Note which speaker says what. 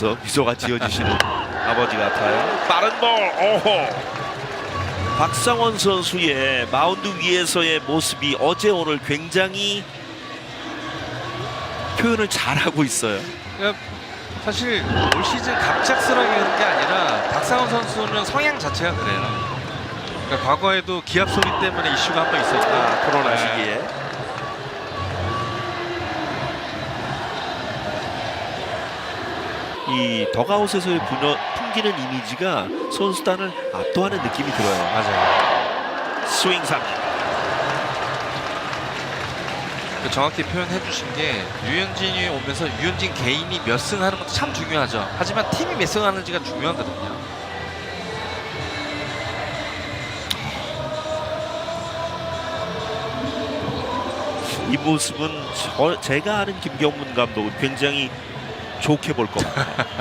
Speaker 1: 미소가 지어지시는 아버지 같아요. 빠른 볼. 오호. 박상원 선수의 마운드 위에서의 모습이 어제 오늘 굉장히 표현을 잘하고 있어요.
Speaker 2: 그러니까 사실 올 시즌 갑작스럽게 하는 게 아니라 박상원 선수는 성향 자체가 그래요. 그러니까 과거에도 기합 소리 때문에 이슈가 한 번 있었다.
Speaker 1: 코로나
Speaker 2: 네.
Speaker 1: 시기에. 이 덕아웃에서의 풍기는 이미지가 선수단을 압도하는 느낌이 들어요.
Speaker 2: 맞아요.
Speaker 1: 스윙 삼진.
Speaker 2: 정확히 표현해 주신 게 류현진이 오면서 류현진 개인이 몇 승 하는 것도 참 중요하죠. 하지만 팀이 몇 승 하는지가 중요하거든요.
Speaker 1: 이 모습은 제가 아는 김경문 감독은 굉장히 좋게 볼 겁니다.